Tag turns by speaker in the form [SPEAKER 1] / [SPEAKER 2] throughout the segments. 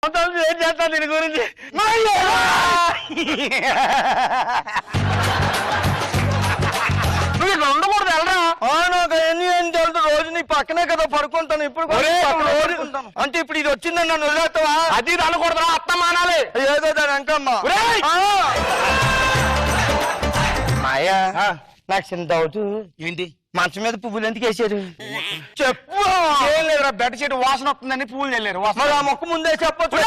[SPEAKER 1] ఏం చేస్తాను దీని గురించి నువ్వు ఇక్కడ ఉండకూడదు వెళ్ళరా. నాకు ఎన్ని ఏం తెలుసు రోజు నీ పక్కనే కదా పడుకుంటాను. ఇప్పుడు అంటే ఇప్పుడు ఇది వచ్చిందని నన్ను వదిలేస్తావా? అది అనకూడదురా, అత్త మానాలి ఏదో దాని అంకమ్మా. మాయా నాకు చిన్న డౌట్. ఏంటి? మంచం మీద పువ్వులు ఎందుకు వేసారు? చెప్పు. ఏం లేదురా, బెడ్ షీట్ వాసన వస్తుందని పువ్వులు వెళ్ళారు. మరి ఆ మొక్క ముందే చెప్పొచ్చు.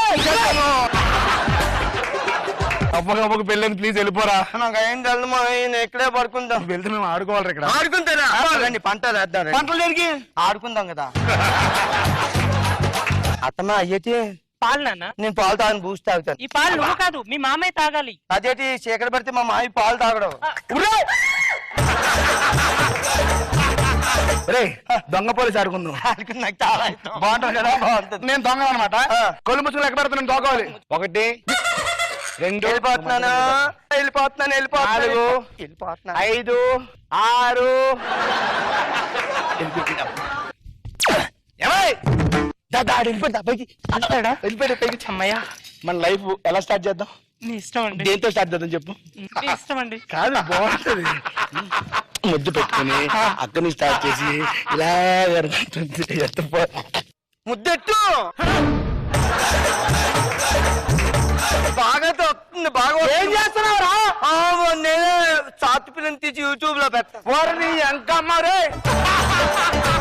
[SPEAKER 1] అమ్మకు పెళ్ళని ప్లీజ్ వెళ్ళిపోరా. నాకు ఏం తెలుసు మా ఇక్కడే పడుకుందాం. వెళ్తే మేము ఆడుకోవాలి ఇక్కడ. ఆడుకుంటారా? పంటలు వేద్దాం. పంటలు జరిగి ఆడుకుందాం కదా. అత్తమ్మా అయ్యేటి
[SPEAKER 2] పాలు నాన్న.
[SPEAKER 1] నేను పాలు తాగని బూస్ట్ తాగుతాను.
[SPEAKER 2] ఈ పాలు నువ్వు కాదు, మీ మామయ్య తాగాలి.
[SPEAKER 1] అదేటి చీకటి పడితే మా మావి పాలు తాగడం. రే దొంగ పోలీసు ఆడుకుందాం. నాకు చాలా ఇష్టం. బాగుంటుంది కదా? బాగుంటుంది. నేను దొంగ అనమాట. కొలు ముసుగులు ఎక్కడ పెడతా నేను దొంగవాలి. 1 2 వెళ్ళిపోతున్నాను 4 5 6
[SPEAKER 2] అమ్మయ్య,
[SPEAKER 1] మన లైఫ్ ఎలా స్టార్ట్ చేద్దాం?
[SPEAKER 2] నీ ఇష్టం అండి.
[SPEAKER 1] దేంతో స్టార్ట్ చేద్దాం చెప్పు.
[SPEAKER 2] నీ ఇష్టం అండి.
[SPEAKER 1] కాదు బాగుంటుంది. ముద్దు పెట్టుకుని అక్కని స్టార్ట్ చేసి ఇలా ముద్దెట్టు బాగా వస్తుంది. బాగా ఏం చేస్తున్నావురా? నేనే చాతు పిల్లని తీసి యూట్యూబ్ లో పెట్టా. వారిని ఎంకమ్మారే